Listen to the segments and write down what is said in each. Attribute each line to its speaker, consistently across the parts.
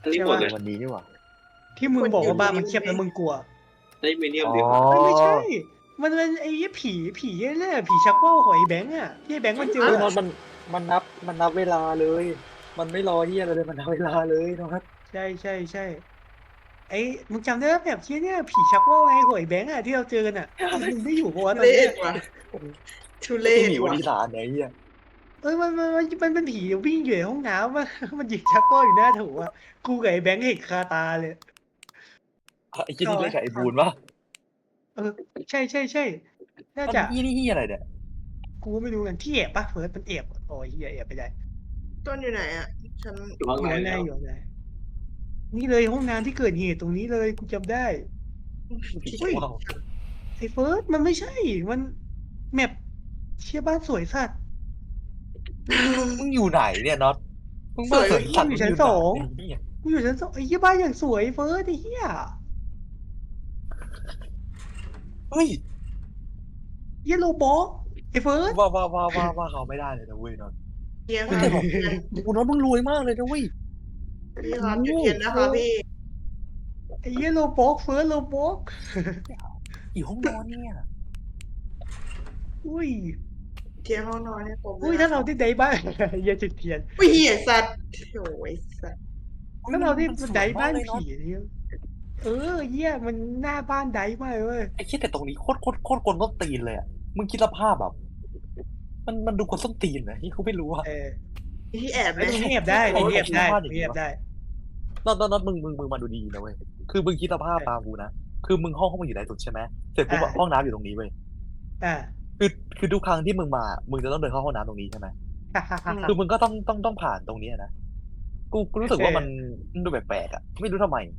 Speaker 1: อันนี้
Speaker 2: ใช่
Speaker 1: หมด
Speaker 2: ปะ
Speaker 1: เลย
Speaker 3: วันนี้นี่หว่า
Speaker 2: ที่มึงบอกว่าบ้านมันเงียบแล้วมึงกลัว
Speaker 1: ไอ้มีเนียม
Speaker 3: อ๋อ
Speaker 1: ดีกว่า
Speaker 2: ไม่ใช่ มันเป็นไอ้ผีเนี่ยผีชักว่าวของไอ้แบงค์อ่ะที่ไอ้แบงค์มันเจอ
Speaker 3: เฮ้ยน็อ
Speaker 2: อะ
Speaker 3: ตมันนับเวลาเลย มันไม่รอเฮียอะไรเลยมันนับเวลาเลยน็อต
Speaker 2: ใช่ไอ้มึงจำได้ไหมแบบที่เนี่ยผีชักว่าวไอ้ของไอ้แบงค์อ่ะที่เราเจอกันอ่ะมึงได้อยู่ปะวะตอน
Speaker 4: เล่
Speaker 2: เนี้ย
Speaker 4: นว่ะทุเร
Speaker 3: ไอ
Speaker 4: ศ
Speaker 3: หมีวัน
Speaker 4: ว่ะ
Speaker 3: ที่สามเนี่ยไอ้เฮีย
Speaker 2: มันเป็นผีวิ่งอยู่ในห้องน้ำอะมันหยิบชักว่าวอยู่หน้าถูอ่ะกูกับไอ้แบงค์เห็นคาตาเลย
Speaker 3: ไอ้เฮียที่เล่นกับไอ้บูนวะ
Speaker 2: เออใช่น่า
Speaker 3: มัน
Speaker 2: จะ
Speaker 3: เฮียนี่เฮียอะไรเนี่ย
Speaker 2: กูไม่รู้กันที่แอบปะเฟิร์สมันแอบโอ้ยเหี้ยแอบไปได้
Speaker 4: ต้นอยู่ไหนอ่ะฉัน
Speaker 1: อยู่ข้าง
Speaker 2: อยู่
Speaker 1: ใน
Speaker 2: ข้างใน
Speaker 1: แล้ว
Speaker 2: อยู่ข้างในนี่เลยห้องน้ำที่เกิดเหตุตรงนี้เลยกูจำได้
Speaker 3: ผี
Speaker 2: เฮ้ย
Speaker 3: ว้าว
Speaker 2: ไอ้เฟิร์สมันไม่ใช่มันแมปเชี่ยบ้านสวยสัตว์
Speaker 3: มึงอยู่ไหนเนี่ยน็อตมึงมาสวนสัตว์
Speaker 2: อยู่ชั้นสอง
Speaker 3: มึยู่ไหนเนี่ย
Speaker 2: กูอยู่ชั้นสองไอ้เหี้ยบ้านอย่างสวยเฟิร์สไอ้เหี้ย
Speaker 3: เฮ้ย
Speaker 2: เหี้ยโลบอกไอ้เฟิร์ส
Speaker 3: ว่าเขาไม่ได้เลยนะเว้ยน็อต
Speaker 4: เทียน
Speaker 3: เฮ้ย
Speaker 4: ค่ะ
Speaker 3: แต่กูน็อตมึงรวยมากเลยนะเว้ย
Speaker 4: พี่ครับจุดเทียนนะคะพี่
Speaker 2: ไอ้เหี้ยโลบอกเฟิร์สโลบอก
Speaker 3: อยู่ห้องนอนเนี่ย
Speaker 2: อุ้ย
Speaker 4: เทียนห้องนอนเนี่ยผม
Speaker 2: อุ้ยถ้าเราได้ได้บ้าน เหี้ยจุดเทียน
Speaker 4: อุ้ยเหี้ยสัตว์โอ้ยสัตว์
Speaker 2: ถ้าเราได้
Speaker 3: มันสวย
Speaker 2: ได้บ้าน
Speaker 3: มกเลย
Speaker 2: ผีเนี่ยเหี้ยมันหน้าบ้านได้มากเลย
Speaker 3: ไอ้เหี้ยแต่ตรงนี้โคตรกวนต้นตีนเลยอ่ะมึงคิดสภาพแบบมันดูกวนต้นตีนนะที่เขาไม่รู้อ่ะ
Speaker 4: ที่แอบ
Speaker 2: ไอ้
Speaker 4: เลย
Speaker 2: ตรงนี้แอบได้ตรงนี้แอบได้ตรงนี้แอบได้
Speaker 3: น็อตมึงมาดูดีนะเว้ยคือมึงคิดสภาพตามกูนะคือมึงห้องมันอยู่ไหนสุดใช่ไหมเสร็จปุ๊บอะห้องน้ำอยู่ตรงนี้เว้ย
Speaker 2: อ่า
Speaker 3: คือทุกครั้งที่มึงมามึงจะต้องเดินเข้าห้องน้ำตรงนี้ใช่ไหมคือมึงก็ต้องผ่านตรงนี้นะกูรู้สึกว่ามันดูแปลกๆอ่ะไม่รู้ทำไม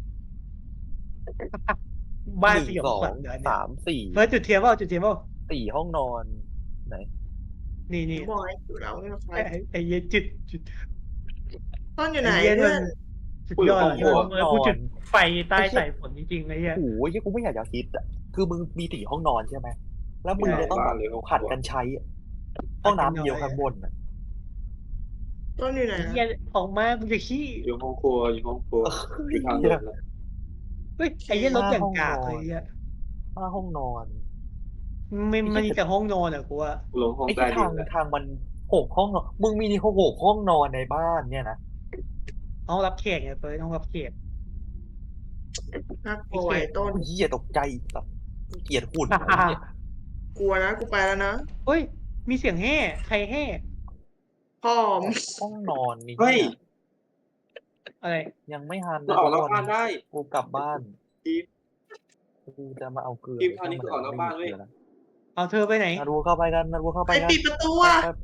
Speaker 2: บ้าน
Speaker 3: หนึ่ง
Speaker 2: เสี่ยว
Speaker 3: สอง
Speaker 2: ขวัญเดี๋ยวเนี่ย
Speaker 3: สามสี่
Speaker 2: เฟิร์สจุดเทียนเปล่าจุดเทียนเปล่า
Speaker 3: สี่ห้องนอนไหน
Speaker 2: นี่
Speaker 4: บอยอยู่แล้วนี่มันใคร
Speaker 2: ไอ้เหี้ยจุด
Speaker 4: ต้นอยู่ไหน
Speaker 2: ไอ้เหี้ย
Speaker 4: เพื่อน
Speaker 2: สุดยอดกูจุดไฟใต้สายฝนจริงๆไอ้เหี้ย
Speaker 3: โอ้ยกูไม่อยากจะคิดอ่ะคือมึงมีสี่ห้องนอนใช่ไหมแล้วมึงจะต้องแบบผัดกันใช้อะห้องน้ำเดียวข้างบนอ่ะ
Speaker 4: ต้นอยู่ไหน
Speaker 2: ไอ้เหี้ยออกมามึงจะขี้
Speaker 1: อยู่ห้องครัวอยู่ห้องครัวอยู่ทางเดินแล้ว
Speaker 2: เฮ้ยไอ้เหี้ยรถอย่างกากเลยไอ้เหี้ย
Speaker 3: ห้าห้องนอน
Speaker 2: มันมีแต่ห้องนอนอ่ะกูว่า
Speaker 1: ลงห้อง
Speaker 3: ไอ้
Speaker 1: ใต้
Speaker 3: ที่
Speaker 1: ดินแล้ว
Speaker 3: ทางมันหกห้องนอนมึงมีหกห้องนอนในบ้านเนี่ยนะ
Speaker 2: ห้องรับแขกเนี่ยเฟิร์สห้องรับแขก
Speaker 4: น่ากลัวไอ้ต้น
Speaker 3: เหี้ยตกใจแบบเกลียดหุ่น
Speaker 4: กลัวนะกูไปแล้วนะ
Speaker 2: เฮ้ยมีเสียงแห่ใครแห่
Speaker 4: พ่อม
Speaker 3: ห้องนอนนี่
Speaker 1: เฮ้ย
Speaker 2: อะไร
Speaker 3: ยังไม่ทัน
Speaker 1: เราออกนอกบ้านได้
Speaker 3: กูกลับบ้าน
Speaker 1: ทีม
Speaker 3: กูจะมาเอาเกลือ
Speaker 1: ทีมคราวนี้คือออกนอกบ้านเว้ย
Speaker 2: เอาเธอไปไหน
Speaker 3: นาดูเข้าไปกันนาดูเข้าไป
Speaker 4: ใคร
Speaker 3: กัน
Speaker 4: ปิดประตูอ่ะ
Speaker 3: ไป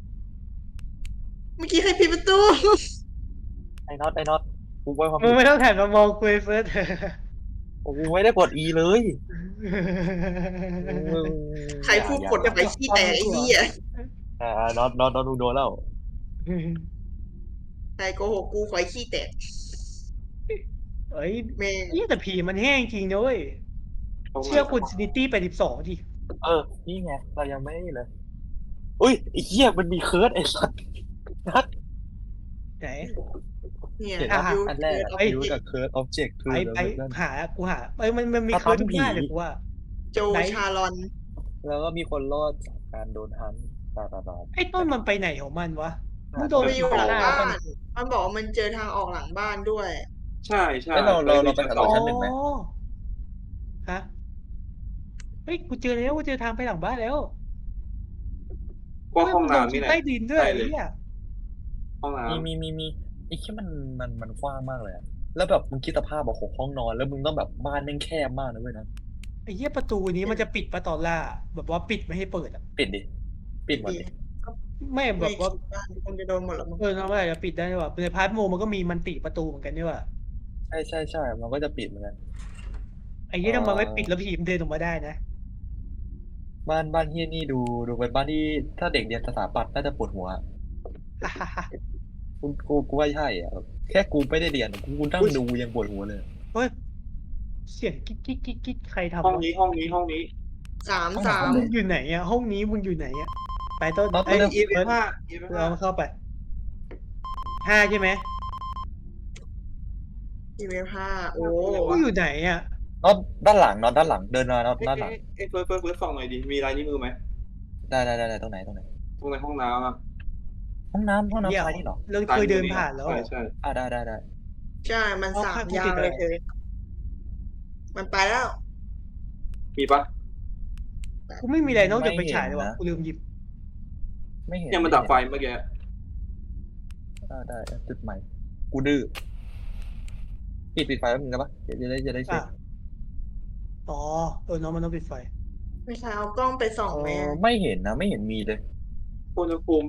Speaker 4: เมื่อกี้ใครปิดประตู
Speaker 3: ไอ้น็อตกูไว้ความ
Speaker 2: มึงไม่ต้องถ่ายมามองกูเฟิร์ส
Speaker 3: กูไม่ได้กด E เลยมึง
Speaker 4: ใครพูดกดไปขี้แตกไอ้เหี้ย
Speaker 3: น็อตดูโดนแล้ว
Speaker 4: ใครโกหกกูขอให้ขี้แตก
Speaker 2: เอ้ย
Speaker 4: เมง
Speaker 2: นี่แต่ผีมันแห้งจริงนะเว้ยเชื่อคุณซินิตี้82ดิ
Speaker 3: นี่ไงเรายังไม่เลยอุ้ยไอ้เหี้ยมันมีเคิร์ดไอ้สัสนัด
Speaker 2: ไหน
Speaker 4: เนี่ย
Speaker 3: เห็น
Speaker 2: อ่ะ
Speaker 3: ปะ
Speaker 4: ยู
Speaker 3: อันแรก
Speaker 4: เอา
Speaker 3: อะยูกับเคิร์ดออบเจกต์คือ
Speaker 2: ไปกูหามันมีเคิร์ดทุกหน้าเลยกูว่า
Speaker 4: โจชาลอน
Speaker 3: แล้วก็มีคนรอดจากการโดนฮันตา
Speaker 2: ไอ้ต้นมันไปไหนของมันวะมึงโดน
Speaker 4: ไปอยู่หลัง
Speaker 2: หน้า
Speaker 4: บ้า
Speaker 2: มัน
Speaker 4: มันบอกว่ามันเจอทางออกหลังบ้านด้วย
Speaker 1: ใช่ใช่
Speaker 3: เราไปหา
Speaker 1: ต่อ
Speaker 3: ชั้นหนึ่งไหม
Speaker 2: ฮะเฮ้ยกูเจอแล้วกูเจอทางไปหลังบ้านแล้ว
Speaker 1: พวกห้องน้ำ
Speaker 2: มี
Speaker 1: นี่แหละ
Speaker 2: ใต้ดินด้วย
Speaker 1: ใช่
Speaker 2: ไอ้
Speaker 1: เลย
Speaker 2: เหี้ย
Speaker 1: ห้องน้ำ
Speaker 3: มีไอ้ที่มันกว้างมากเลยอะแล้วแบบมึงคิดสภาพแบบหกห้องนอนแล้วมึงต้องแบบบ้านแม่งแคบมากนะเว้ยนะ
Speaker 2: ไอ้เหี้ยประตูนี้มันจะปิดปะตอนล่าแบบว่าปิดไม่ให้เปิดอ่ะ
Speaker 3: ปิดดิปิดหมดดิ
Speaker 2: ไม่แบ
Speaker 4: ไม่
Speaker 2: บว่า
Speaker 4: คิดบ้านคงจะโดนหมดหรอกมั้ง
Speaker 2: ทำไมจะปิดได้ด้วยวะในพาร์ทโมมันก็มีมันติประตูเหมือนกันด้วยว่ะ
Speaker 3: ใช่มันก็จะปิดเหมือนกัน
Speaker 2: ไอ้เหี้ยทำไมไม่ปิดแล้วผีมันเดินออกมาได้นะ
Speaker 3: บ้านเฮียนี่ดูเป็นบ้านที่ถ้าเด็กเรียนสถาปัตย์น่าจะปวดหัวกูว่าใช่อ่ะแค่กูไม่ได้เรียนกูนั่งดูยังปวดหัวเลย
Speaker 2: เฮ้ยเสียงกิ๊กใครทำ
Speaker 1: ห้อง
Speaker 2: วะ
Speaker 1: นี้
Speaker 4: สาม
Speaker 2: มึงอยู่ไหนอ่ะห้องนี้มึงอยู่ไหนอ่ะไปต้น
Speaker 3: น็อต
Speaker 2: ไอ้
Speaker 1: อีเว
Speaker 2: เฟิร์ส
Speaker 1: ห้าอีเวห้า
Speaker 2: เราเข้าไป5ใช่ไหม
Speaker 4: EMF5 โอ้
Speaker 2: กูอยู่ไหนอ่ะ
Speaker 3: น็อตด้านหลังน็อตด้านหลังเดินมาน็อต
Speaker 1: เอ้ย
Speaker 3: ด้านหลัง
Speaker 1: เอ้ยเฟิร์สส่องหน่อยดิมีลายนิ้วมือไหม
Speaker 3: ได้ตรงไหน
Speaker 1: ตรงในห้องน้ำอ่ะ
Speaker 3: ห้องน้ำ
Speaker 2: เดี๋ยว
Speaker 3: ซ้ายนี่เหรอ
Speaker 2: เราเคยเดินผ่านแล้วเหรอ
Speaker 1: ใช่
Speaker 3: ได้
Speaker 4: ใช่มัน
Speaker 2: เอา
Speaker 4: สาม
Speaker 2: ค่ะกู
Speaker 4: ยา
Speaker 2: ติ
Speaker 4: ง
Speaker 2: ด
Speaker 4: เลย
Speaker 2: อะไร
Speaker 4: เธอมันไปแล้ว
Speaker 1: มีปะ
Speaker 2: กูไม่มีอะไรนอกจากไปฉายเลยวะกูลืมหยิบ
Speaker 3: ไม่เห็น
Speaker 1: เนี่ยมันดับไฟเมื่อกี้
Speaker 3: ได้จุดใหม่กูดื้อปิดไฟแล้วมึงกันปะจะได้เช็
Speaker 2: อ่ะ
Speaker 3: ค
Speaker 2: อ๋อน้องมันต้องปิดไฟ
Speaker 4: ไม่ใช่เอากล้องไปส่องไหมอะ
Speaker 3: ไม่เห็นนะไม่เห็นมีเลย
Speaker 1: อุณหภูมิ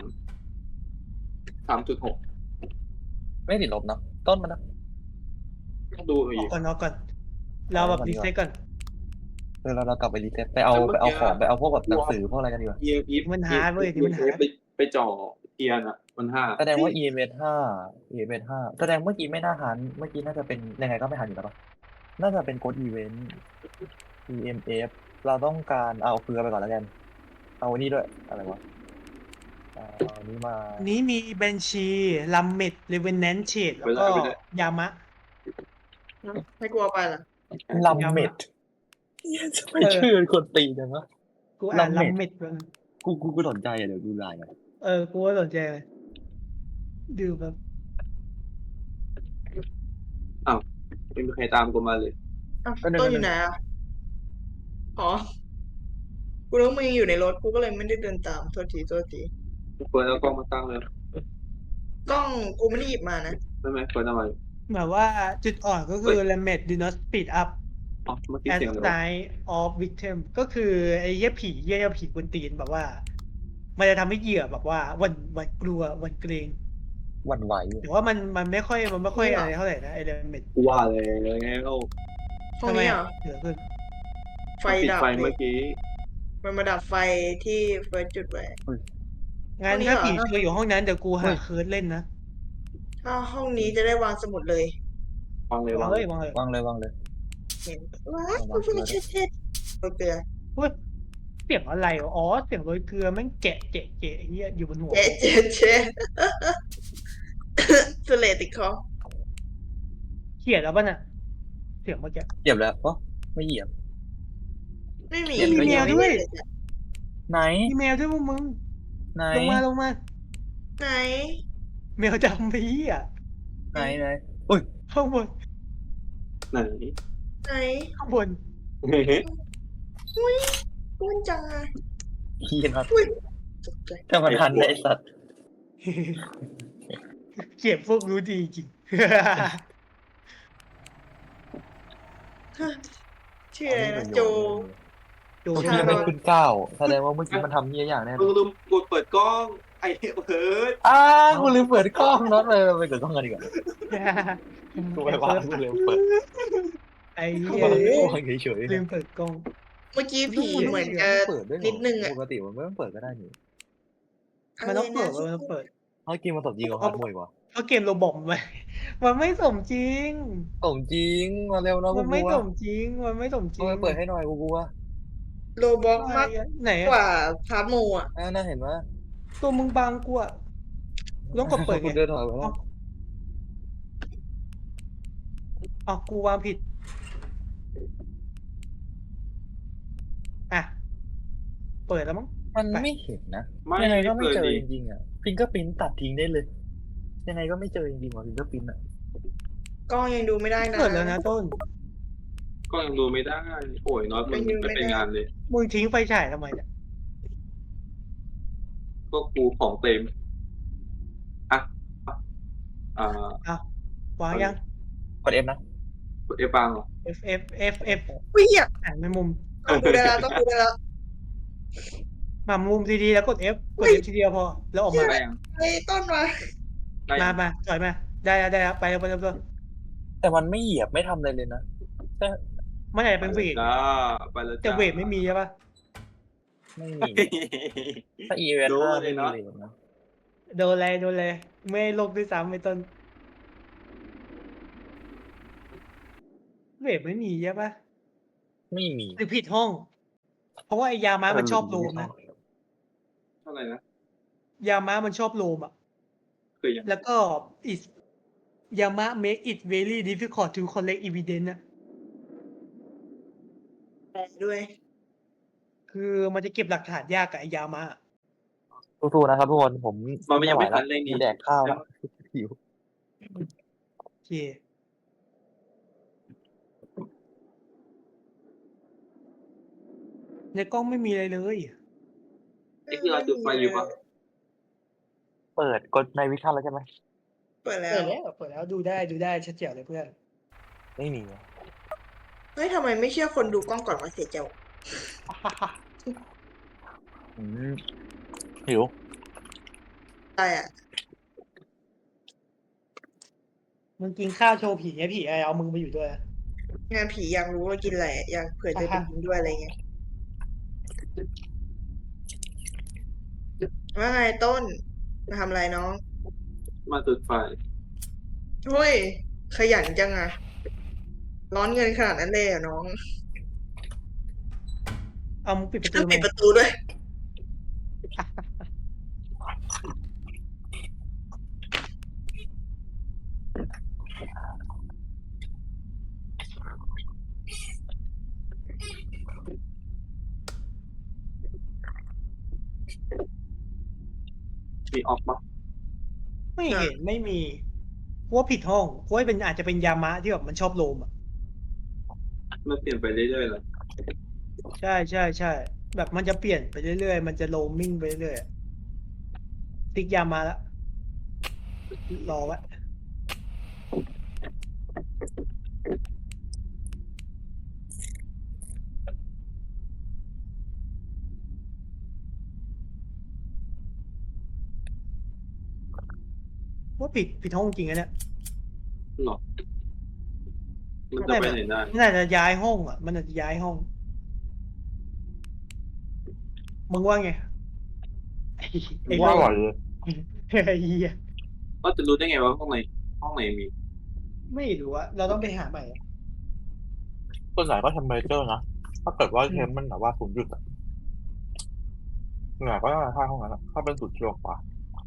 Speaker 1: 3.6
Speaker 3: ไม่ติดลบเนาะต้นมันนะ
Speaker 1: ดู
Speaker 2: อ
Speaker 1: อี
Speaker 2: อก
Speaker 1: ก
Speaker 2: ก่อนเราแบบรีเซ็ตก่อน
Speaker 3: เรากลับไปรีเซ็ตไปเอาของไปเอาพวกแบบหนังสือพวกอะไรกันดีกว่า
Speaker 1: EMF
Speaker 2: มันหาเว้ยที่มันหา
Speaker 1: ไปจ่อเทียนอ่ะมันห้า
Speaker 3: แสดงว่า EMS5 แสดงเมื่อกี้ไม่น่าหันเมื่อกี้น่าจะเป็นยังไงก็ไม่หันอยู่แล้วปะน่าจะเป็นโค้ดอีเวนต์ EMF เราต้องการเอาเกลือไปก่อนแล้วกันเอาอันนี้ด้วยอะไรวะเอาอันนี้มา
Speaker 2: นี้มีเบนชีลัมเมดเลเวนแนนเชดแล้วก็ยามะ
Speaker 4: ไม่กลัวไปเหรอ
Speaker 3: ลัมเมดไม่ชื่อคนตีจังวะ
Speaker 2: กูอ่านลัม
Speaker 3: Lamed
Speaker 2: เมดมัน
Speaker 3: กูสนใจอ่ะเดี๋ยวดูไลน์อ่ะ
Speaker 2: กูก็สนใจเลยดูแบบ
Speaker 1: ไม่มีใครตามกูมาเลย
Speaker 4: อ้าวต้นอยู่ไหนอ่ะอ๋อกูรู้มึงอยู่ในรถกูก็เลยไม่ได้เดินตามโทษที
Speaker 1: เปิดแล้วกล้องมาตั้งเลย
Speaker 4: กล้องกูไม่ได้หยิบมานะ
Speaker 1: ไม่ไหมเปิดทำไม
Speaker 2: แบบว่าจุดอ่อนก็คือ Lamed do not speed up
Speaker 1: อ๋อเมื่อกี้
Speaker 2: as
Speaker 1: เสียงอะไรวะ
Speaker 2: night of victim ก็คือไอ้เหี้ยผีกวนตีนแบบว่า มันจะทำให้เหยื่อแบบว่าหวันกลัวหวันเกรง
Speaker 3: หวั่นไหว
Speaker 2: แต่ว่ามันไม่ค่อยอะไรเท่าไหร่นะไอ้ Lamed
Speaker 1: กูว่าเลยไงเรา
Speaker 4: ห้องนี้เหรอ
Speaker 2: เหลือเพิ่ง
Speaker 4: ไฟ
Speaker 1: ปิด
Speaker 4: ดับ
Speaker 1: ไฟ
Speaker 4: เล
Speaker 1: เมื่
Speaker 4: ย
Speaker 1: อกี้
Speaker 4: มันมาดับไฟที่เฟิร์สจุดไว้
Speaker 2: งั้น
Speaker 4: ห้องนี้
Speaker 2: ถ้า
Speaker 4: เหรอ
Speaker 2: ผีเจออยู่ห้องนั้นเดี๋ยวกูหาเคิร์ดเล่นนะ
Speaker 4: ถ้าห้องนี้จะได้วางสมุดเลย
Speaker 1: วางเลยว
Speaker 2: าง
Speaker 1: วาง
Speaker 2: เล
Speaker 1: เลย
Speaker 2: ยวางเลย
Speaker 3: วางเลย
Speaker 4: เห็นว้าย
Speaker 3: วาง
Speaker 4: กู
Speaker 3: เกลือ
Speaker 4: เช็ดโอเค
Speaker 2: เฮ้ยเสียงอะไรวะอ๋อเสียงโรยเกลือแม่งแกะไอ้เหี้ยอยู่บนหัว
Speaker 4: เจ๊สเลติดคอ
Speaker 2: เขียนแล้วป่ะน่ะเสียงเมื่อกี้
Speaker 3: เหยียบแล้วไม่เหยียบ
Speaker 4: ไม่มี
Speaker 2: มีแมวด้วย
Speaker 3: ไหน
Speaker 2: มีแมวด้วยพวกมึง
Speaker 3: ไหน
Speaker 2: ลงมา
Speaker 4: ไหน
Speaker 2: แมวดำไปเหี้ย
Speaker 3: ไหนอุ้ย
Speaker 2: ข้างบน
Speaker 1: ไหน
Speaker 4: ไหน
Speaker 2: ข้างบน
Speaker 4: อุ้ยอ้วนจังอะ
Speaker 3: เฮียนัด
Speaker 4: อุ้ยตกใจ
Speaker 3: แต่มันทันไอ้สัตว์
Speaker 2: เก็บพวกรู้ดีจริง
Speaker 4: ชื่ออะไรนะโจ
Speaker 2: ดู
Speaker 3: เมื่อ
Speaker 4: ชา
Speaker 3: กี้
Speaker 4: ล
Speaker 3: ไม่
Speaker 4: อน
Speaker 3: ขึ้นก้าวแสดงว่าเมื่อกี้มันทำเฮียอย่างแน่
Speaker 1: มึงลืมกดเปิดกล้องไอ้เพิร์ด
Speaker 3: กูลืมเปิดกล้องน็อตเลยไปเปิดกล้องกันดีกว่ากูไปวางกูลืมเปิด
Speaker 2: ไอ้
Speaker 3: กู
Speaker 2: เหี้ยว
Speaker 3: างเฉย
Speaker 2: ลืมเปิดกล้อง
Speaker 4: เมื่อกี้ผีเหมือนจะ
Speaker 3: เปิดด้วย
Speaker 4: นิดนึงอะ
Speaker 3: ปกติมันไม่ต้องเปิดก็ได้นี่
Speaker 2: มันต้องเปิด
Speaker 4: ะไร
Speaker 2: มัน
Speaker 4: นะ
Speaker 2: ต้องเปิด
Speaker 3: เฮ้ยกินมาตบยิงกับฮาร์ดมวยวะ
Speaker 2: เพราะเกมโรบอทมันไม่สมจริง
Speaker 3: ส่งจริงมาเร็วนะ
Speaker 2: มั
Speaker 3: กู
Speaker 2: น
Speaker 3: ก
Speaker 2: ไม่
Speaker 3: ลัว
Speaker 2: สมจริง มันไม่สมจริง
Speaker 3: เปิดให้หน่อยกูกลัว
Speaker 4: โลบ็อกมาก
Speaker 2: ไหน
Speaker 4: กว่าพาโมอ่ะ
Speaker 3: น่าเห็นว่า
Speaker 2: ตัวมึงบางกูอะต้องกดเปิด
Speaker 3: กู
Speaker 2: ไง
Speaker 3: เดินถอยไปแล้ว
Speaker 2: อ๋อกูวางผิด อ่ะ เปิดแล้วมั้ง
Speaker 3: มันไม่เห็นนะ
Speaker 1: ไม่
Speaker 3: ยังไงก็ไม่
Speaker 1: เปิด
Speaker 3: เจอ
Speaker 1: ดิ
Speaker 3: จริงๆอ่ะฟิงเกอร์พิ้นตัดทิ้งได้เลย ยังไงก็ไม่เจอจริงๆว่ะฟิงเกอร์พิ้นอ่ะ
Speaker 4: กล้องยังดูไม่ได้นะ
Speaker 2: เปิดแล้วนะต้น
Speaker 1: ก็ยังดูไม่ได้โอ้ยน็อตมึงไม่เป็นงานเลย
Speaker 2: มึงทิ้งไฟฉายทำไมเนี่ย
Speaker 1: ก็กูของเต็มอ่ะ
Speaker 2: วางยัง
Speaker 3: กด F นะ
Speaker 1: กดเอฟังเหรอ
Speaker 2: F
Speaker 4: วิ่งอ่ะ
Speaker 2: อ่านในมุม
Speaker 4: ต้องดูได้แล้วต้องดูได้แล้ว
Speaker 2: มามุมดีๆแล้วกด F กด F ทีเดียวพอ แล้วออกมา
Speaker 1: ได้ยัง
Speaker 4: ไอ้ต้นมา
Speaker 2: มา
Speaker 1: ได้ยัง
Speaker 2: ถอยมา ได้แล้วไปแล้ว
Speaker 3: แต่มันไม่เหยียบไม่ทำอะไรเลยนะแต่
Speaker 2: มันอาจจะเป็นเวท
Speaker 1: จ้าไปแล้ว
Speaker 2: แต่เวทไม่มีใช่ปะ
Speaker 3: ไม่มีถ้า e v
Speaker 1: โดน
Speaker 3: 5
Speaker 1: เล
Speaker 3: ไม่
Speaker 1: ย
Speaker 3: มี
Speaker 1: เนอะ
Speaker 3: เลยนะ
Speaker 2: โดนเลยไม่ลงด้วยซ้ำไม่ต้น เวทไม่มีใช่ปะ
Speaker 3: ไม่มี
Speaker 2: หรือผิดห้อง เพราะว่าไอ้ยาม้ามันชอบโลมนะ
Speaker 1: เท่าไหร่นะ
Speaker 2: ยาม้ามันชอบโลมอ่ะ
Speaker 1: คือยัง
Speaker 2: แล้วก็ Yama make it very difficult to collect evidence อะ
Speaker 4: แปลด้วย
Speaker 2: คือมันจะเก็บหลักฐานยากกับไอ้ยามะ
Speaker 3: สู้ๆนะครับทุกคนผม
Speaker 1: มันยังไม่
Speaker 3: ไหว
Speaker 1: ทั
Speaker 3: แล้ว
Speaker 1: นเลยนี่
Speaker 3: จะแดกข้าวแล้วหิว
Speaker 2: โอเคในกล้องไม่มีอะไรเลย
Speaker 1: ไอ้ที่เราจุดไฟอยู่ปะ
Speaker 3: เปิดกดในวิชั่นแล้วใช่ไหม
Speaker 4: เปิดแล้
Speaker 2: เปิ
Speaker 4: ว
Speaker 2: ดแล้วดูได้ชัดเจ๋วเลยเพื่อน
Speaker 3: ไม่มี
Speaker 4: เฮ้ยทำไมไม่เชื่อคนดูกล้องก่อนวะเสียเจ้า
Speaker 3: อืมหิว
Speaker 4: ได้อ่ะ
Speaker 2: มึงกินข้าวโชว์ผีไงผีอะไรเอามึงไปอยู่ด้วยอะ
Speaker 4: งานผีอยากรู้ว่ากินอะไรอยากเผื่อจะไปกินด้วยอะไรเงี้ยว่าไงต้นมาทำอะไรน้อง
Speaker 1: มาจุดไฟ
Speaker 4: เฮ้ยขยันจังอะร้อนเงินขนาดนั้นเลยเหรอน้อง
Speaker 2: เอามึงปิดประตู
Speaker 4: ต้อง
Speaker 2: ไหม
Speaker 4: ปิดประตูด้วย
Speaker 1: มีออกปะ
Speaker 2: ไม่เห็นไม่มีกูว่าผิดห้องกูว่าเป็นอาจจะเป็นยามะที่แบบมันชอบโลมอ่ะ
Speaker 1: มันเปลี่ยนไปเรื่อยๆเลย
Speaker 2: ใช่แบบมันจะเปลี่ยนไปเรื่อยๆมันจะโลมมิ่งไปเรื่อยๆอะติ๊กยามะแล้วรอไว้ว่าผิดห้องจริงอะเนี่ย
Speaker 1: หรอ มันจะไปไหนได้
Speaker 2: มันอาจจะย้ายห้องอ่ะ มันอาจจะย้ายห้อง มึงว่าไงไอ้
Speaker 3: ว่าอ
Speaker 2: โล
Speaker 3: ร่อยเลย
Speaker 2: ไอ้เหี้ย
Speaker 1: ก็จะรู้ได้ไงว่าห้องไหนมี
Speaker 2: ไม่รู้อะเราต้องไปหาใหม่อะ
Speaker 3: ส่วนใหญ่ก็เทมเพอเรเจอร์นะ ถ้าเกิดว่าเทมมันแบบว่า0 จุดอะส่วนใหญ่ก็จะค่าห้องนั้นอะถ้าเป็น0 กิโลกว่า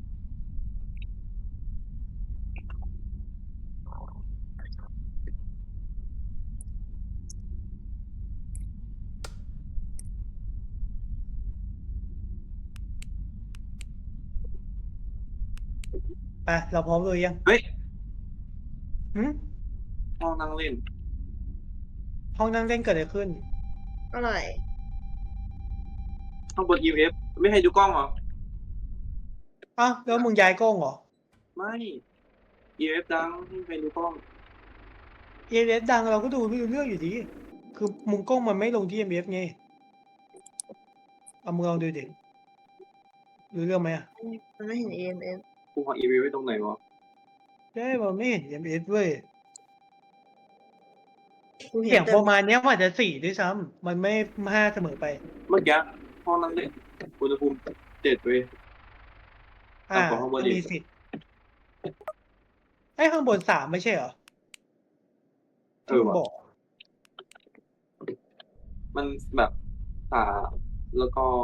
Speaker 2: ไปเราพร้อมเลยยัง
Speaker 1: เฮ้ย
Speaker 2: หืม
Speaker 1: ห้องนั่งเล่น
Speaker 2: ห้องนั่งเล่นเกิดอะไรขึ้น
Speaker 4: อะไร
Speaker 1: ห้องบน EMF ไม่ให้ดูกล้องเหรอ
Speaker 2: อ้าวแล้วมึงย้ายกล้องเหรอ
Speaker 1: ไม่ EMF ดังไม่ให้ดูกล้อง
Speaker 2: EMF ดังเราก็ดูไม่รู้เรื่องอยู่ดี คือมุมกล้องมันไม่ลงที่ EMF ไง เอามึงลองดูดิรู้เรื่องไหมอะ
Speaker 4: มันไม่เห็น EMF
Speaker 1: กูหา EMF ไว้ตรงไหนวะ
Speaker 2: ได้มันไม่เห็น EMF เว้ย
Speaker 4: กูเห็
Speaker 2: เสี
Speaker 4: น
Speaker 2: ยง
Speaker 4: แต่
Speaker 2: ประมาณเนี้ยมันอาจจะ4ด้วยซ้ำมันไม่5เสมอไป
Speaker 1: เมื่อกี้ห้องนั่งเล่นอุณหภูมิ7เว้ย
Speaker 2: อ่า
Speaker 1: ต่ำกว่าข้างบนอีก
Speaker 2: มีสิทธิ์ไอ้ข้างบน3ไม่ใช่เหรอ
Speaker 1: เอ
Speaker 2: ที่
Speaker 1: อ
Speaker 2: มึง
Speaker 1: ว่ะ
Speaker 2: บอก
Speaker 1: มันแบบ3แล้วก็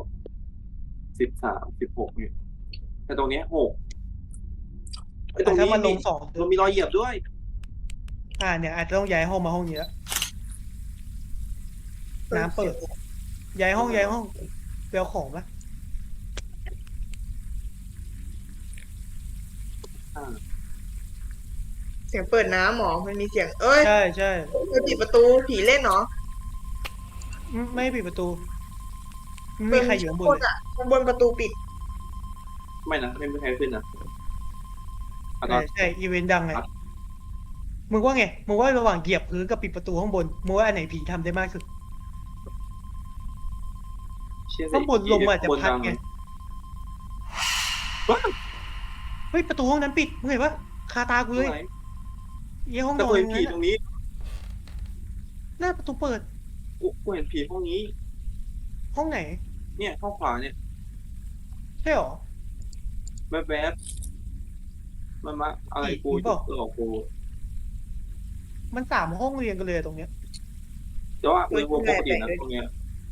Speaker 1: 13 16เนี่ยแต่ตรงเนี้ย6ไอ้ตรง
Speaker 2: ถ้า
Speaker 1: นี้
Speaker 2: มันลง
Speaker 1: มันมีรอยเหยียบด้วย
Speaker 2: เนี่ยอาจจะต้องย้ายห้องมาห้องนี้แล้ว น้ำเปิด ย้ายห้องไปเอาของมา
Speaker 4: เสียงเปิดน้ำหมอมันมีเสียง เอ้ย
Speaker 2: ใช่
Speaker 4: มันปิดประตูผีเล่นเนาะ
Speaker 2: ไม่ปิดประตูไม่มีใครอยู่ข้างบนเลย
Speaker 4: ข้างบนประตูปิด
Speaker 1: ไม่นะไม่มีใครขึ้นนะอ่ะตอน
Speaker 2: ใช่อีเวนต์ดังไง
Speaker 1: ครับ
Speaker 2: มึงว่าไงมึงว่าระหว่างเหยียบพื้นกับปิดประตูข้างบนมึงว่าอันไหนผีทำได้มากสุด
Speaker 1: เชี่ย
Speaker 2: ข้างบนลมอาจจะพัดไง
Speaker 1: ว้าว
Speaker 2: เฮ้ยประตูห้องนั้นปิดมึงเห็นปะคาตากู
Speaker 1: ตร
Speaker 2: เล
Speaker 1: ง
Speaker 2: ย
Speaker 1: ไหน
Speaker 2: เยี่ห้อง
Speaker 1: แต่
Speaker 2: นอ
Speaker 1: กู
Speaker 2: น
Speaker 1: เห็นผี
Speaker 2: นั้น
Speaker 1: ตรงนี้
Speaker 2: หน้าประตูเปิด
Speaker 1: กูเห็นผีห้องนี้
Speaker 2: ห้องไหน
Speaker 1: เนี่ยห้องขวาเนี่ย
Speaker 2: ใช่หรอ
Speaker 1: แวบๆมันมาอะไรกู
Speaker 2: ผีเปล่า
Speaker 1: หลอกกู
Speaker 2: มัน3ห้องเรียงกันเลยตรงเนี้ย
Speaker 1: แต่ว่าอุณหภูมิปกตินะตรงเนี้ย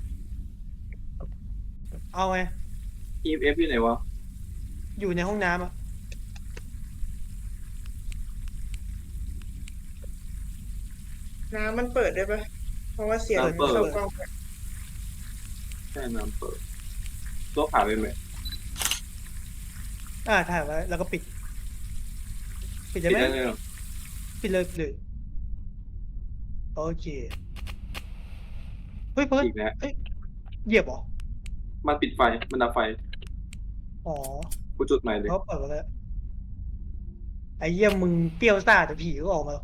Speaker 2: เอาไง
Speaker 1: EMF อยู่ไหนวะ
Speaker 2: อยู่ในห้องน้ำอะ
Speaker 4: น้ำมันเปิดได้ปะเพราะว่าเสียงมันเข้ากล้อง
Speaker 1: แค่น้ำเปิดตัวผ่านไปไหม
Speaker 2: ถ่ายไว้แล้วก็ปิดได้
Speaker 1: ปิด
Speaker 2: ไหม
Speaker 1: ได้เลยเหรอ
Speaker 2: ปิดเลยโอเคเฮ้ยเพิร์ด
Speaker 1: อีกแล้ว
Speaker 2: เฮ้ยเหยียบเหรอ
Speaker 1: มันปิดไฟมันดับไฟ
Speaker 2: อ๋อ
Speaker 1: กูจุดใหม่เลย
Speaker 2: เขาเปิดมาแล้วไอ้เหี้ยมึงเปรี้ยวซ่าแต่ผีก็ออกมา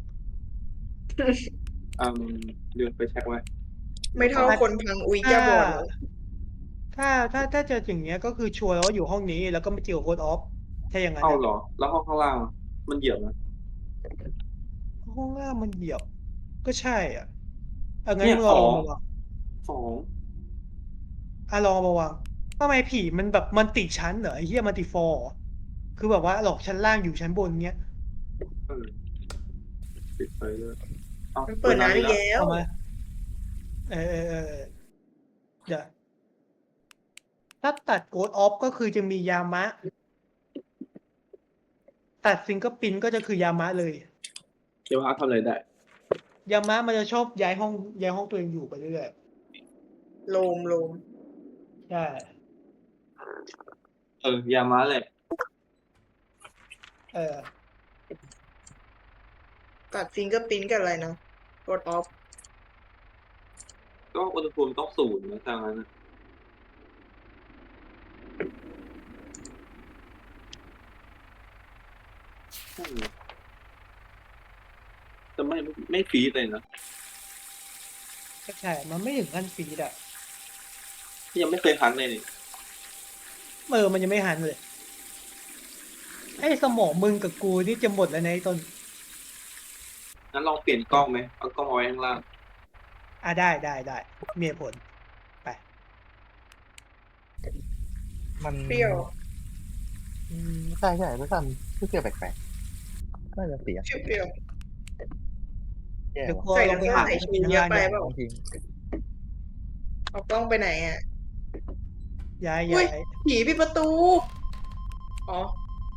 Speaker 1: เดือนไปเช็คไว้
Speaker 4: ไม่เท่าคนพังอุยแก้บอลหรอก
Speaker 2: ถ้าเจออย่างเงี้ยก็คือชัวร์แล้วว่าอยู่ห้องนี้แล้วก็ไม่เจอโค้ดออฟถ้าอย่างนั้น
Speaker 1: เข้า
Speaker 2: นะ
Speaker 1: เหรอ แล้วห้องข้างล่างมันเหยียบนะ
Speaker 2: ห้องล่างมันเหยียบ ก็ใช่อ่ะงั้น
Speaker 1: เนี่ย
Speaker 2: มึงลอง
Speaker 1: สอง
Speaker 2: มาวาง
Speaker 1: สอง
Speaker 2: ลองมาวางทำไมผีมันแบบมันติชั้นเหรอไอ้เหี้ยมันติฟอร์คือแบบว่าหลอกชั้นล่างอยู่ชั้นบนเงี้ย
Speaker 1: เออปิดไฟเลยอา
Speaker 4: มันเปิดน้ำอีกแล้ว
Speaker 2: เอามาเออเดี๋ยวถ้าตัดโกดออฟก็คือจะมียามะ ตัดฟิงเกอร์พิ้นก็จะคือยามะเลย
Speaker 1: เดี๋ยวอาร์ตทำอะไรได้
Speaker 2: ยามะมันจะชอบย้ายห้องตัวเองอยู่ไปเรื่อย
Speaker 4: โลม
Speaker 2: ๆใช่
Speaker 1: ยามาแหละ
Speaker 2: เออ
Speaker 4: ตัดฟิงเกอร์พิ้นกับอะไรนะกดออฟ
Speaker 1: ก็อุณหภูมิต้องศูนย์นะทางนั้นนะใช่แต่ไม่ฟรีดเลยนะ
Speaker 2: ก็ใช่ มันไม่ถึงขั้นฟีดอ่ะ
Speaker 1: ยังไม่เคยพักเลยนี่
Speaker 2: มันยังไม่หันเลย ไอ้สมองมึงกับกูนี่จะหมดแล้วนะไอ้ต้น
Speaker 1: งั้นลองเปลี่ยนกล้องไหมเอากล้องเอาไว้ข้างล่าง
Speaker 2: ได้มีเหตุผล ไป
Speaker 3: มัน
Speaker 4: เปรี้ยว
Speaker 3: ใช่ไม่ทำเปรี้ยวแปลกๆน่าจะเสีย
Speaker 4: เปรี้ยว
Speaker 3: แย่
Speaker 2: เดี๋ยว
Speaker 3: ว่ะ
Speaker 2: กู
Speaker 4: ใส่
Speaker 2: ลองไป
Speaker 4: น้ำ
Speaker 2: หา
Speaker 4: ใส่ชูเยอะไปเปล่า
Speaker 3: ต้องทิ้ง
Speaker 4: เอากล้องไปไหนอ่ะ
Speaker 2: ย้าย
Speaker 4: อุ้ยผีปิดประตู อ๋อ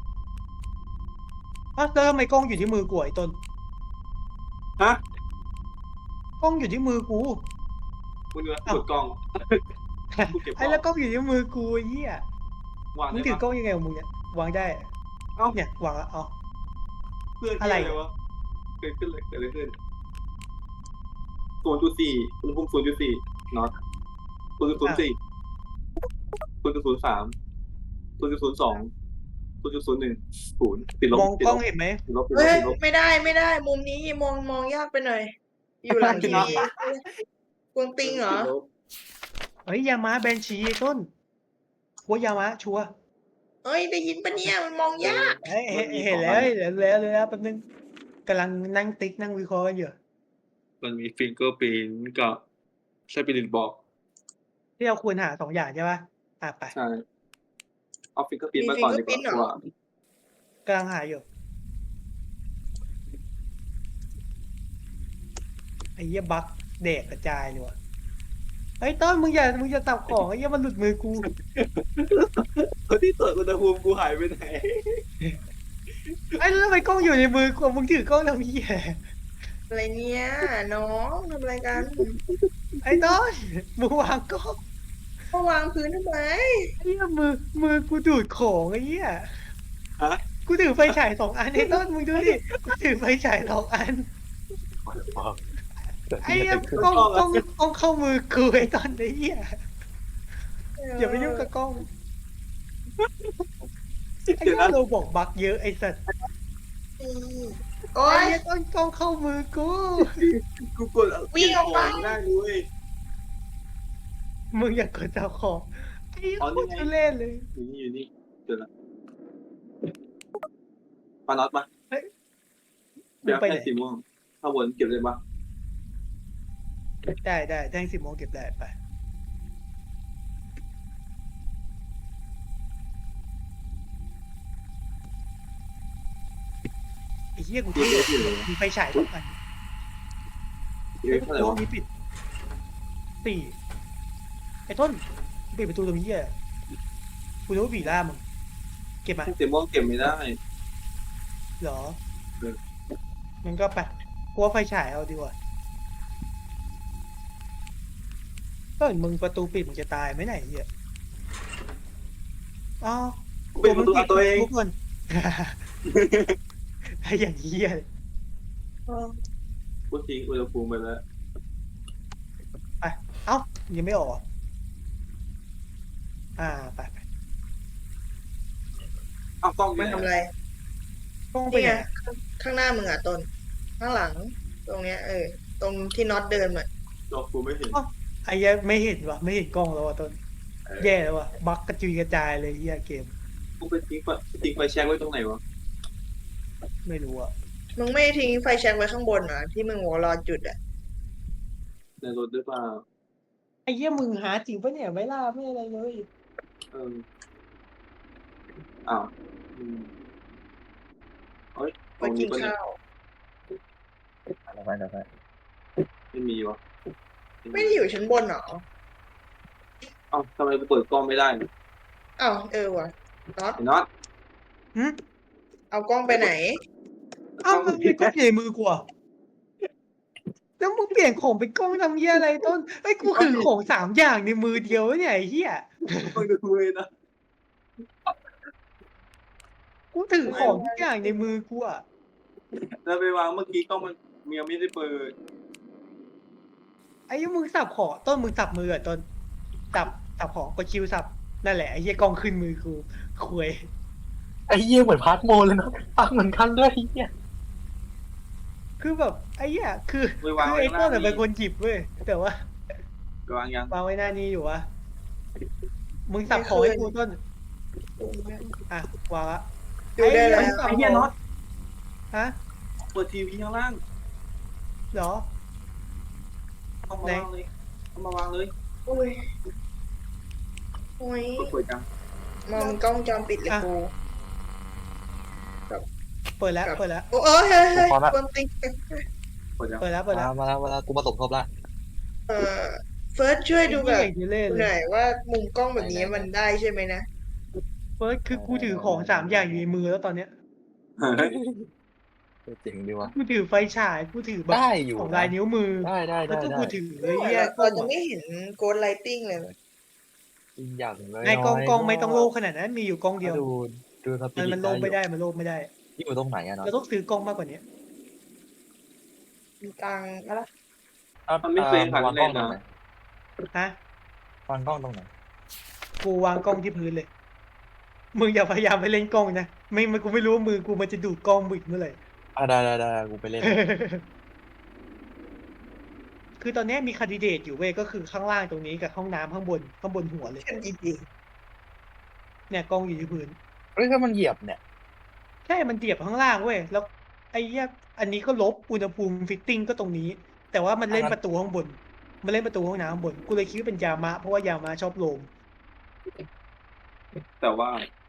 Speaker 2: แล้วทำไมกล้องอยู่ที่มือกูไอ้ต้น
Speaker 1: ฮะ
Speaker 2: กล้องอยู่ที่มือกู
Speaker 1: มึงดูกดกล้อง กูเก็บกล้อง
Speaker 2: ไอ้แล้วกล้องอยู่ที่มือกูไอ้เหี้ยว
Speaker 1: าง
Speaker 2: มึง
Speaker 1: ได้
Speaker 2: ถือ
Speaker 1: ปะ
Speaker 2: กล้องยังไงของมึงเนี่ยวางได้
Speaker 1: เอ้า
Speaker 2: เนี่ยวางแล้วเอา
Speaker 1: เพื่อน
Speaker 2: อะไร
Speaker 1: ที่วะเกิดขึ้นเลยเกิดอะไรขึ้น0.4อุณหภูมิ0.4น็อต0.04 0.03 0.02 0.01 0ติดลบ
Speaker 2: มอง
Speaker 1: ติด
Speaker 2: กล้
Speaker 1: ล
Speaker 2: อง
Speaker 1: บ
Speaker 2: เห็นไหม
Speaker 1: ติดลบติดล
Speaker 4: เฮ้
Speaker 1: บ
Speaker 4: ย
Speaker 1: ติดลบ
Speaker 4: ไม่ได้ มุมนี้มองยากไปหน่อย อยู่หลังทีวีกวงติงเหรอ
Speaker 1: ติดลบ
Speaker 2: เฮ้ยยามะแบนชีไอ้ต้นว่ายามะชัวร์
Speaker 4: เฮ้ย ได้ยินปะเนี่ยมันมองยาก
Speaker 2: เฮ้ยเห็นแล้วแป๊บนึงกำลังนั่งติ๊กนั่งวิเคราะห์กันอยู่
Speaker 1: มันมีฟิงเกอร์พินกับสปิริตบอก
Speaker 2: ที่เราควรหา2 อย่างใช่ปะไป
Speaker 1: ใช่เอาฟิงเกอร์พิน
Speaker 4: มี
Speaker 1: มาก่อนดีก
Speaker 4: fingerprint เหรอ
Speaker 1: ว่าก
Speaker 2: ำลังหาอยู่ไอ้เหี้ยบั๊กเด็กกระจายเลยว่ะเฮ้ยต้นมึงอย่าตับของไอ้เหี้ยมันหลุดมือกู
Speaker 1: คนที่ตรวจอุณหภูมิกูหายไปไหน
Speaker 2: ไอ้แล้วทำไมกล้องอยู่ในมือกูมึงถือกล้องทำเหี้ย
Speaker 4: อะไรเนี่ยน้องทำอะไรกัน
Speaker 2: ไอ้ต้นมึงวางกล้อง
Speaker 4: ก็วางพื้นทำไม
Speaker 2: ไอ้เหี้ยมือกูดูดของไอ้เหี้ย
Speaker 1: ฮะ
Speaker 2: กูถือไฟฉาย2 อันไอ้ต้นมึงดูดิกูถือไฟฉาย2 อัน ไอ้เหี้ยกล้องเข้ามือกูไอ้ต้นไอ้เหี้ยอย่าไปยุ่งกับกล้องไอ้เหี้ยเราบอกบั๊กเยอะไอ้สัตว์
Speaker 4: โอ๊
Speaker 2: ไอ้
Speaker 4: ย
Speaker 2: เหี้ยต้นกล้องเข้ามือกู
Speaker 1: กูกด
Speaker 4: วิ่งออกไป
Speaker 1: เก็บขได้ด้วย
Speaker 2: มึงอย่ากดเจ้าของไอ้เหี้ย
Speaker 1: อ๋อ
Speaker 2: โค
Speaker 1: นี่
Speaker 2: ตร
Speaker 1: ไง
Speaker 2: ทุเล่นเลย
Speaker 1: อยู่นี่เจอละปาน็อตมา
Speaker 2: มึ
Speaker 1: เดี๋ย
Speaker 2: ง
Speaker 1: ว
Speaker 2: ไปไหน
Speaker 1: แค่สีม่วงถ้าวนเก็บเลยปะ
Speaker 2: ได้แท่ง10 โมงเก็บได้ไปไอ้เหี้ยกู
Speaker 1: เก็บ
Speaker 2: เท่
Speaker 1: เลยที่เลย
Speaker 2: มีไฟฉาย2 อัน
Speaker 1: เก็บเท่าไหร่
Speaker 2: ห้อ
Speaker 1: วะ
Speaker 2: งนี้ปิด4ไอ้ต้นปิดประตูตรงนี้อ่ะกูนึกว่าผีล่ามึงเก็บมา
Speaker 1: สีม่วงเก็บไม่ได้
Speaker 2: เหรอ
Speaker 1: เออ
Speaker 2: งั้นก็ไปกูว่าไฟฉายเอาดีกว่าก็เห็นมึงประตูปิดมึงจะตายไหมไหนยไอ้เหี้ยอ๋อ
Speaker 1: กูเป็นประตูเอาตัวเอง
Speaker 2: ทุกคนไอ้อย่างเหี้ยเลย
Speaker 1: กูทิ้งอุณหภูมิไปแล้ว
Speaker 2: ไปเอ้ายังไม่ออกเหรอไป
Speaker 1: อ้าวกล้องอยู่
Speaker 4: มัน
Speaker 1: ไหน
Speaker 4: ทำอะไร
Speaker 2: กล้องไป
Speaker 4: นี่
Speaker 2: ไห
Speaker 4: ไง
Speaker 2: น
Speaker 4: ข้างหน้ามึงอ่ะต้นข้างหลัง ตรงเนี้ยตรงที่น็อตเดินมา
Speaker 1: จอกูไม่เห็น
Speaker 2: ไอ้เหี้ยไม่เห็นวะไม่เห็นกล้องแล้ววะต้นแย่แล้ววะบั๊กกระจุยกระจายเลยเหี้ยเกม
Speaker 1: กูไปทิ้งไฟแช็กไว้ตรงไหนวะ
Speaker 2: ไม่รู้อะ
Speaker 4: มึงไม่ทิ้งไฟแช็กไว้ข้างบนเหรอที่มึงบอกรอจุดอ่ะ
Speaker 1: ในรถหรือเปล่า
Speaker 2: ไอ้เหี้ยมึงหาจริงปะเนี่ยไม่ล่าไม่อะไรเลย
Speaker 1: เอออ้าวเฮ้ยต
Speaker 4: ไป
Speaker 1: รง
Speaker 4: กิ
Speaker 1: นี้
Speaker 4: น
Speaker 1: ปะเนี่ย
Speaker 4: ข้าว
Speaker 3: อะไรไปอะไรไป
Speaker 1: ไม่มีวะ
Speaker 4: ไม่ได้อยู่ชั้นบนเหรอ
Speaker 1: อ้าวทำไมกูเปิดกล้องไม่ได้เนี่ย
Speaker 4: อ้าวว่ะน็อต
Speaker 1: ไอ้น็อต
Speaker 2: หึ
Speaker 4: เอากล้องไปไหน
Speaker 2: อ้าวมันเป็นกล้องใหญ่มือกว่าแล้วมึงเปลี่ยนของเป็นกล้องทำเหี้ยอะไรต้นไอ้ยกูคือของ3อย่างในมือเดียวเนี่ยไอ้เหี้ย
Speaker 1: กล้องดูเลยนะ
Speaker 2: กูถือของทุกอย่างในมือกูอะ
Speaker 1: แล้วไปวางเมื่อกี้กล้องมันยังไม่ได้เปิด
Speaker 2: ไอ้เหี้ยมึงสับของต้นมึงสับมืออะต้นสับของกดคิวสับนั่นแหละไอ้เหี้ยกล้องขึ้นมือกูคุย
Speaker 3: ไอ้เหี้ยเหมือนพาร์ทโมเลยนะตั้งเหมือนกันด้วยไอ้เหี้ย
Speaker 2: คือแบบไอ้เหี้ยคือ
Speaker 1: ไปวางไว้
Speaker 2: ไอ้
Speaker 1: ข้าง
Speaker 2: ต้
Speaker 1: ล่าน ง
Speaker 2: อะ
Speaker 1: นี่
Speaker 2: เป็นคนหยิบเว้ยแต่ว่า
Speaker 1: ไปวางยัง
Speaker 2: วางไว้หน้านี้อยู่วะมึงสับของให้กูต้นอ่ะวางละ
Speaker 4: ดูได้แล้ว
Speaker 2: สับ
Speaker 1: ไอ้
Speaker 2: ข
Speaker 1: เหี้ย
Speaker 2: อง
Speaker 1: น็อต
Speaker 2: ฮะ
Speaker 1: เปิดทีวีข้างล่าง
Speaker 2: เหรอ
Speaker 1: เอามาวางเลยเอามาวางเลย
Speaker 4: โอ้ยโอ้ย
Speaker 1: เปิดจัง
Speaker 4: มองกล้องวงจอปิดเลยกู
Speaker 2: เปิดแล้ว
Speaker 4: ครับ
Speaker 2: เปิดแล้ว
Speaker 4: โอ้เฮ้ยคนติ๊ก
Speaker 1: เปิดจัง
Speaker 2: เปิดแล้วเปิดแล้ว
Speaker 3: มาแล้วกูมาสมทบละ
Speaker 4: เฟิร์สช่วยดูแบบ
Speaker 2: ไอ้เหี้ยเล่น
Speaker 4: ห
Speaker 2: เล
Speaker 4: น่อย ยว่ามุมกล้องแบบนี้มันได้ใช่ไหมนะ
Speaker 2: เฟิร์สคือกูถือของ3อย่างอยู่ในมือแล้วตอนเนี้ย
Speaker 1: เฮ้ย
Speaker 3: เจ๋งดีว่ะ
Speaker 2: กูถือไฟฉายกูถือแบบ
Speaker 3: ได้อยู่
Speaker 2: ของ
Speaker 3: นะ
Speaker 2: ลายนิ้วมือ
Speaker 3: ได้
Speaker 2: แล้วก็กูถือไอ้
Speaker 4: เรา
Speaker 2: เหี้ย
Speaker 4: จะไม่เห็นโกดไลติ้งเลย
Speaker 3: อีกอย่างเลย
Speaker 2: ไอ้กล้องไม่ต้องโลภขนาดนั้นมีอยู่กล้องเดียว
Speaker 3: ดูสปิ
Speaker 2: มันโลภไม่ได้มันโลภไม่ได้
Speaker 3: ที่อยู่ตรงไหนอะเนาะ
Speaker 2: เราต้องซื้อกล้องมากกว่านี้
Speaker 4: มีตังค์อะไร
Speaker 1: มันไม่เคยหัน
Speaker 3: วาง
Speaker 1: เล
Speaker 3: กล้อย งตรง
Speaker 1: นะ
Speaker 3: ไหน
Speaker 2: ฮะ
Speaker 3: วางกล้องตรงไหน
Speaker 2: กูวางกล้องที่พื้นเลย มึงอย่าพยายามไปเล่นกล้องนะไม่กูไม่รู้ว่ามือกูมันจะดูดกล้องมึงอีกเมื่อไหร่
Speaker 3: ได้กูไปเล่น
Speaker 2: คือตอนนี้มีคันดิเดตอยู่เว้ยก็คือข้างล่างตรงนี้กับห้องน้ำข้างบนหัวเลย
Speaker 4: แค่ดี
Speaker 2: เนี่ยกล้องอยู่ที่พื้น
Speaker 3: เฮ้ยถ้ามันเหยียบเนี่ย
Speaker 2: ใช่มันเดียบข้างล่างเว้ยแล้วไอ้เหี้ยอันนี้ก็ลบอุณหภูมิฟิตติ้งก็ตรงนี้ แต่ว่ามันเล่นประตูข้างบน มันเล่นประตูห้องน้ำข้างบนกูเลยคิดว่าเป็นยามะเพราะว่ายามะชอบโลม
Speaker 1: แต่ว่า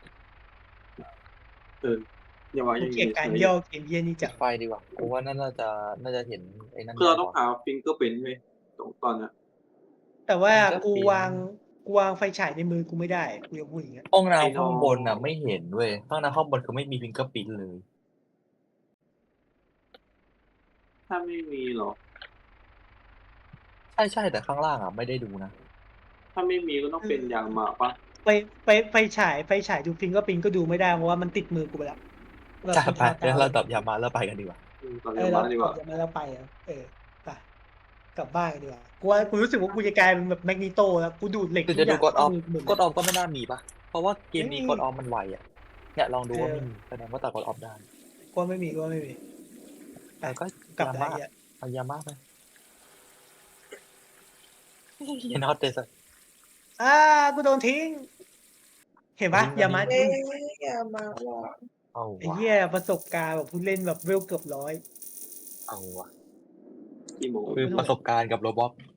Speaker 1: อย่าวางอ
Speaker 2: กู
Speaker 1: ย่าง
Speaker 2: เกลียด
Speaker 1: นี้
Speaker 2: การย่อเกมเยี่ยนี่
Speaker 3: ปิ
Speaker 2: จั
Speaker 3: ด
Speaker 2: ง
Speaker 3: ไฟดีกว่ากูว่าน่าจะเห็นไอ้นั่น
Speaker 1: คือเราต้อง
Speaker 3: มากกว่
Speaker 1: หาฟิงเกอร์เป็นไหมตอนนี้
Speaker 2: แต่ว่า
Speaker 3: มันก็
Speaker 2: กู
Speaker 3: เป็น
Speaker 2: วางไฟฉายในมือกูไม่ได้กูจะพูดอย่างเงี้ย
Speaker 3: ห้องน้ำข้างบนน่ะไม่เห็นเว้ยห้องน้ำข้างบนคือไม่มีฟิงเกอร์ปิ้นเลย
Speaker 1: ถ้าไม่มีหรอ
Speaker 3: ใช่แต่ข้างล่างอ่ะไม่ได้ดูนะ
Speaker 1: ถ้าไม่มีก็ต้องเป็นยางมาปะ
Speaker 2: ไฟฉายดูฟิงก็ปิงก็ดูไม่ได้เพราะว่ามันติดมือกูไปแล้ว
Speaker 3: จ้าไปแล้วเราตอบยามาแล้วไปกันดีกว่า
Speaker 1: ตอน
Speaker 2: เอ
Speaker 1: นี้
Speaker 2: อ
Speaker 1: มา
Speaker 2: เรา
Speaker 1: ดีกว่า
Speaker 2: จะมาแล้วไปอ่ะไปกลับบ้านกันดีกว่ากูรู้สึกว่ากูจะกลายเป็นแบบแมกนีโตแล้วกูดูดเหล็ก
Speaker 3: คือ
Speaker 2: ทุ
Speaker 3: จะ
Speaker 2: กอ
Speaker 3: ดู
Speaker 2: ย่าง
Speaker 3: กดออฟ
Speaker 2: ที่มื
Speaker 3: กดออฟก็ไม่น่ามีปะเพราะว่าเกมนี้
Speaker 2: ไม่มี
Speaker 3: กดออฟมันไวอ่ะเนี่ยลองดูว่าไม่มีแสดงว่าตัดกดออฟได้
Speaker 2: กูไม่มี
Speaker 3: แต่ก็
Speaker 2: กลับ
Speaker 3: ยา
Speaker 2: ได้
Speaker 3: มา
Speaker 2: อ่ะ
Speaker 3: เอายามาไปเห็นฮอตเตส
Speaker 2: กูโดนทิ้ง เห็นปะ
Speaker 3: ทิ้ง
Speaker 2: อย่ามา
Speaker 4: ๆเอ้ยอย่ามาว่ะ
Speaker 3: เอา
Speaker 2: ไอ้
Speaker 3: วะ
Speaker 2: เหี้ยประสบการณ์แบบผู้เล่นแบบเวลเกือบ100
Speaker 3: เอาวะ
Speaker 1: กี่โมง
Speaker 3: คือประสบการณ์กับโรบอท